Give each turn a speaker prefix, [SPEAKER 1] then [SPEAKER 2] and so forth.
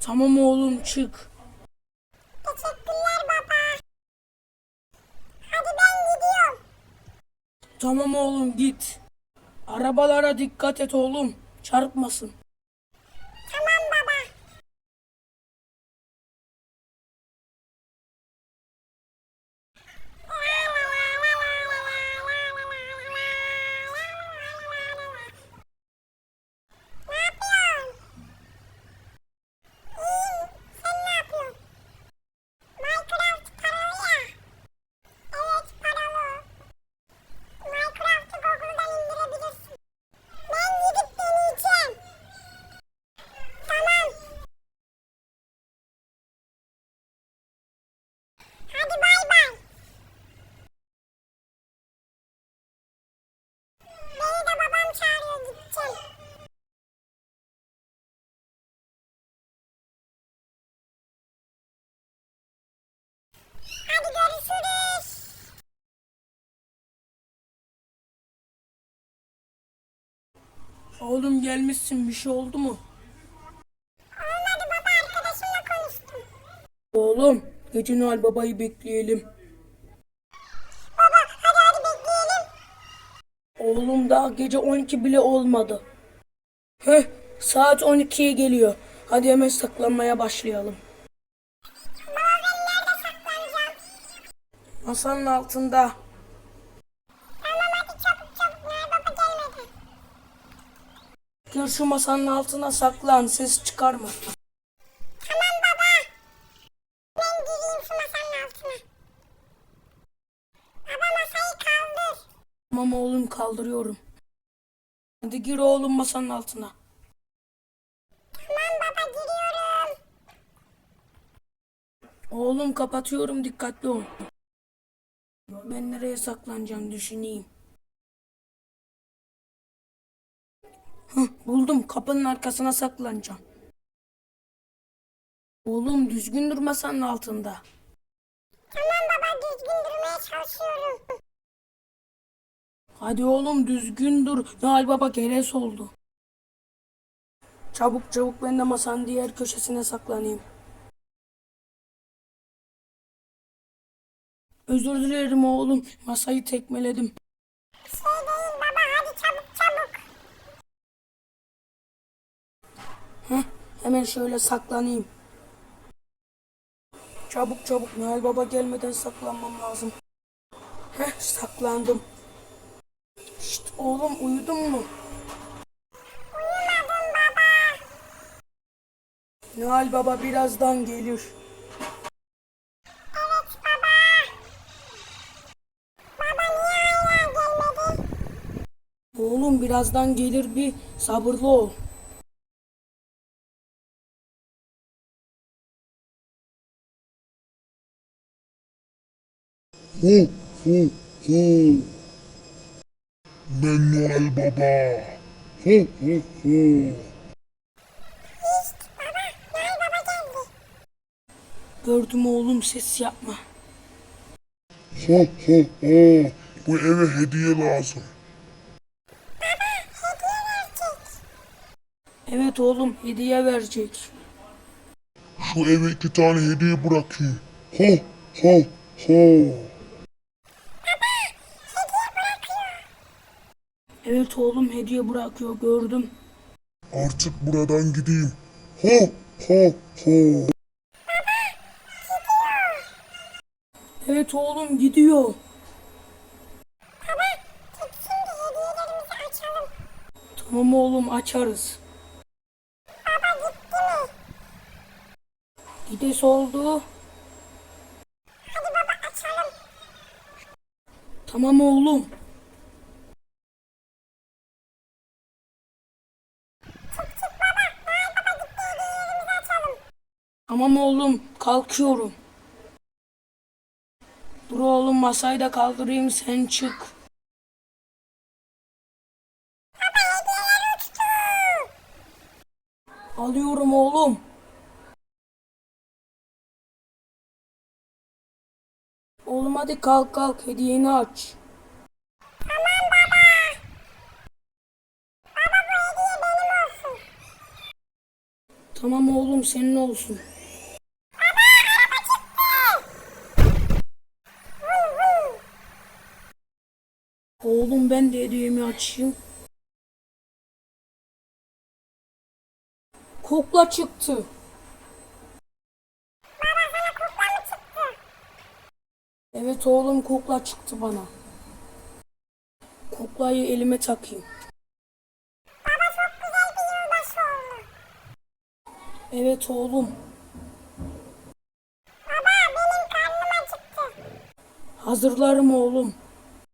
[SPEAKER 1] Tamam oğlum çık.
[SPEAKER 2] Teşekkürler baba. Hadi ben gidiyorum.
[SPEAKER 1] Tamam oğlum git. Arabalara dikkat et oğlum. Çarpmasın.
[SPEAKER 2] Tamam baba. Ne yapıyorsun? İyiyim. Sen ne yapıyorsun? Minecraft paralı ya. Evet paralı. Minecraft'ı Google'dan indirebilirsin. Ben gidip deneyeceğim. Tamam. Hadi bay bay. Beni de babam çağırıyor gideceğim. Hadi görüşürüz.
[SPEAKER 1] Oğlum gelmişsin, bir şey oldu mu?
[SPEAKER 2] Olmadı baba, arkadaşımla konuştum.
[SPEAKER 1] Oğlum gece Noel Baba'yı bekleyelim.
[SPEAKER 2] Baba hadi bekleyelim.
[SPEAKER 1] Oğlum daha gece 12 bile olmadı. Heh, saat 12'ye geliyor. Hadi hemen saklanmaya başlayalım.
[SPEAKER 2] Baba ben nerede saklanacağım?
[SPEAKER 1] Masanın altında.
[SPEAKER 2] Tamam hadi çabuk çabuk, Noel Baba gelmedi.
[SPEAKER 1] Gir şu masanın altına saklan, ses çıkarma.
[SPEAKER 2] Tamam baba. Ben gireyim şu masanın altına. Baba masayı kaldır.
[SPEAKER 1] Tamam oğlum kaldırıyorum. Hadi gir oğlum masanın altına.
[SPEAKER 2] Tamam baba giriyorum.
[SPEAKER 1] Oğlum kapatıyorum, dikkatli ol. Ben nereye saklanacağım düşüneyim. Buldum, kapının arkasına saklanacağım. Oğlum düzgün dur masanın altında.
[SPEAKER 2] Tamam baba düzgün durmaya çalışıyorum.
[SPEAKER 1] Hadi oğlum düzgün dur. Noel Baba geres oldu. Çabuk çabuk ben de masanın diğer köşesine saklanayım. Özür dilerim oğlum. Masayı tekmeledim.
[SPEAKER 2] Şey değil baba, hadi çabuk çabuk.
[SPEAKER 1] Hemen şöyle saklanayım. Çabuk çabuk Noel Baba gelmeden saklanmam lazım. Saklandım. Şşt oğlum uyudun mu?
[SPEAKER 2] Uyumadım baba.
[SPEAKER 1] Noel Baba birazdan gelir.
[SPEAKER 2] Evet baba. Baba niye hala gelmedi?
[SPEAKER 1] Oğlum birazdan gelir, bir sabırlı ol.
[SPEAKER 3] Hu hu hu. Ben Noel Baba. Hu hu hu.
[SPEAKER 2] İşte baba, Noel Baba geldi.
[SPEAKER 1] Gördüm oğlum, ses yapma.
[SPEAKER 3] Hu hu hu. Bu eve hediye lazım.
[SPEAKER 2] Baba hediye verecek.
[SPEAKER 1] Evet oğlum, hediye verecek.
[SPEAKER 3] Şu eve 2 tane hediye bırakayım. Hu hu hu.
[SPEAKER 2] Hediye bırakıyor.
[SPEAKER 1] Evet oğlum, hediye bırakıyor, gördüm.
[SPEAKER 3] Artık buradan gideyim. Hu hu hu.
[SPEAKER 1] Evet oğlum gidiyor.
[SPEAKER 2] Baba git şimdi hediyelerimizi açalım.
[SPEAKER 1] Tamam oğlum, açarız.
[SPEAKER 2] Baba gitti mi?
[SPEAKER 1] Gides oldu.
[SPEAKER 2] Hadi baba açalım.
[SPEAKER 1] Tamam oğlum.
[SPEAKER 2] Çık çık baba. Noel Baba gitti, hediyelerimizi açalım.
[SPEAKER 1] Tamam oğlum, kalkıyorum. Dur oğlum, masayı da kaldırayım, sen çık.
[SPEAKER 2] Baba hediyeler uçtu.
[SPEAKER 1] Alıyorum oğlum. Oğlum hadi kalk kalk, hediyeni aç.
[SPEAKER 2] Tamam baba. Baba bu hediye benim olsun.
[SPEAKER 1] Tamam oğlum, senin olsun. Oğlum ben de hediyemi açayım. Kukla çıktı. Evet oğlum, kukla çıktı bana. Kuklayı elime takayım.
[SPEAKER 2] Baba çok güzel bir yılbaşı oldu.
[SPEAKER 1] Evet oğlum.
[SPEAKER 2] Baba benim karnım acıktı.
[SPEAKER 1] Hazırlarım oğlum.